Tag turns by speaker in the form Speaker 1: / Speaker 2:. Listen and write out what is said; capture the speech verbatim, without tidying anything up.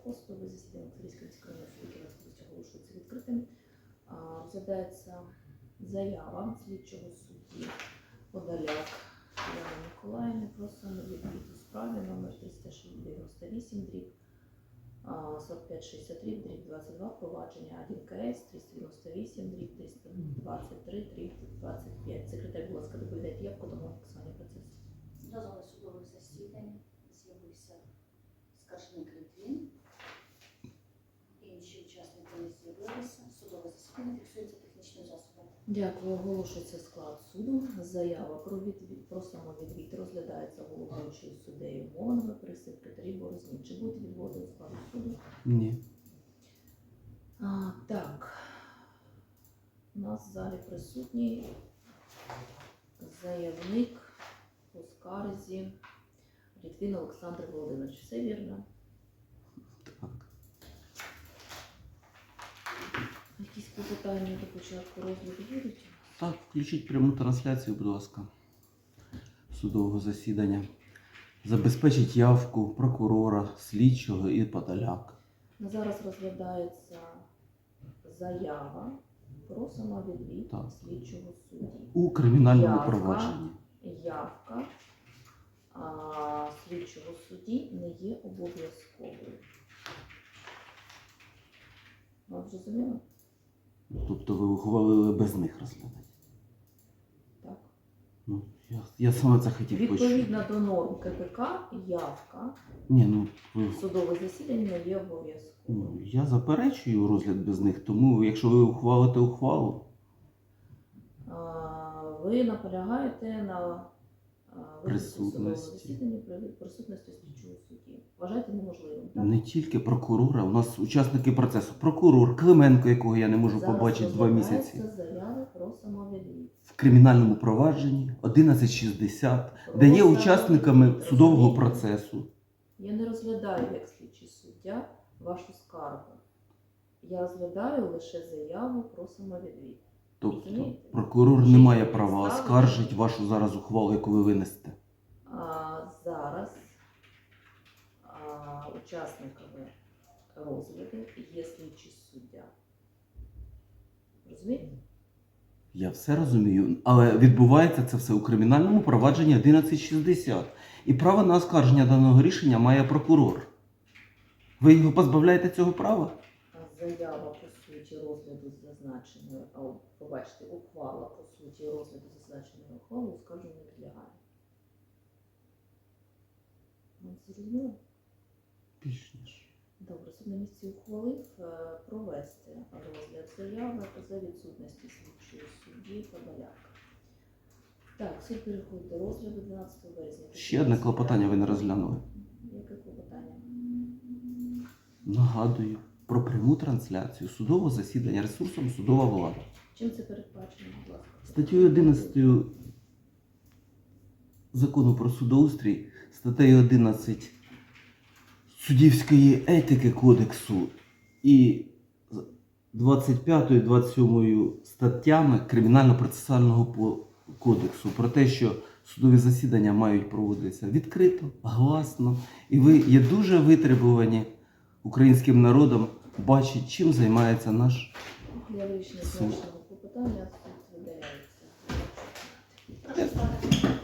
Speaker 1: Савко, судове засідання Київського міськрайонного суду Кіровоградської області оголошується відкритим. А, Розглядається заява слідчого судді Подоляк Яни Миколаївни про самовідвід у справі номер триста дев'яносто вісім дріб сорок п'ять шістдесят три дріб двадцять два провадження один ка ес триста дев'яносто вісім дріб триста двадцять три дріб двадцять п'ять. Секретар, будь ласка, доповідайте явку до фіксування процесу.
Speaker 2: До зали судових засідань з'явився скаржник Литвин. Інші учасники не з'явилися. Судове засідання фіксується технічним засобом.
Speaker 1: Дякую. Оголошується склад суду. Заява про відвід, про самовідвід розглядається головуючою суддею Мовними при секретарі Борозні. Чи будуть відводи у складу суду?
Speaker 3: Ні.
Speaker 1: А, так. У нас в залі присутній заявник по скарзі Литвин Олександр Володимирович. Все вірно?
Speaker 3: Так.
Speaker 1: Якісь питання до початку розгляду будуть?
Speaker 3: Так, включіть пряму трансляцію, будь ласка, судового засідання. Забезпечить явку прокурора, слідчого і Подоляк.
Speaker 1: На зараз розглядається заява про самовідвід
Speaker 3: Так.
Speaker 1: слідчого судді.
Speaker 3: У кримінальному
Speaker 1: Явка.
Speaker 3: провадженні.
Speaker 1: Явка а, слідчого судді не є обов'язковою. Ви зрозуміли?
Speaker 3: Тобто ви ухвалили без них розглядати.
Speaker 1: Так.
Speaker 3: Ну, я, я саме це хотів почути.
Speaker 1: Відповідно до норм ка пе ка, явка
Speaker 3: Ні, ну, ви,
Speaker 1: судове засідання не є обов'язковою.
Speaker 3: ну, я заперечую розгляд без них, тому якщо ви ухвалите ухвалу,
Speaker 1: А, Ви наполягаєте на а, визначенні судового
Speaker 3: Присутності.
Speaker 1: засідання при присутності слідчого судді. Вважаєте неможливим, так?
Speaker 3: не тільки прокурора, у нас учасники процесу. Прокурор Клименко, якого я не можу
Speaker 1: Зараз
Speaker 3: побачити два місяці.
Speaker 1: розглядається заява про самовідвід.
Speaker 3: В кримінальному провадженні одинадцять шістдесят,
Speaker 1: Про
Speaker 3: де є
Speaker 1: самовідвід.
Speaker 3: учасниками судового
Speaker 1: Розумієте?
Speaker 3: процесу.
Speaker 1: Я не розглядаю як слідчий суддя вашу скаргу. Я розглядаю лише заяву про самовідвід.
Speaker 3: Тобто
Speaker 1: Розумієте?
Speaker 3: прокурор
Speaker 1: Чи
Speaker 3: не має
Speaker 1: є
Speaker 3: права
Speaker 1: підстави?
Speaker 3: оскаржити вашу зараз ухвалу, яку ви винесете.
Speaker 1: А зараз а, учасниками розгляду є слідчий суддя. Розумієте?
Speaker 3: Я все розумію, але відбувається це все у кримінальному провадженні одинадцять шістдесят. І право на оскарження даного рішення має прокурор. Ви його позбавляєте цього права?
Speaker 1: А Заява по суті розгляду зазначеної, а побачите, ухвала по суті розгляду зазначеної ухвали оскарженню не підлягає. Ну, зрозуміло?
Speaker 3: Більш ніж.
Speaker 1: Добре, суд на місці ухвалив е, провести розгляд заяви за відсутності слідчої судді Подоляк. Так, суд переходить до розгляду дванадцятого березня.
Speaker 3: Ще одне клопотання ви не розглянули.
Speaker 1: Яке клопотання?
Speaker 3: Нагадую про пряму трансляцію судового засідання ресурсом судова влада.
Speaker 1: Чим це передбачено, будь ласка?
Speaker 3: Статтею одинадцятою Закону про судоустрій, статтею одинадцять суддівської етики кодексу і двадцять п'ятою двадцять сьомою статтями Кримінально-процесуального по- кодексу про те, що судові засідання мають проводитися відкрито, гласно, і ви є дуже витребувані українським народом бачить, чим займається наш
Speaker 1: Для вирішення
Speaker 3: Суд.
Speaker 1: зазначеного клопотання суд видаляється.
Speaker 2: Прошу ставити.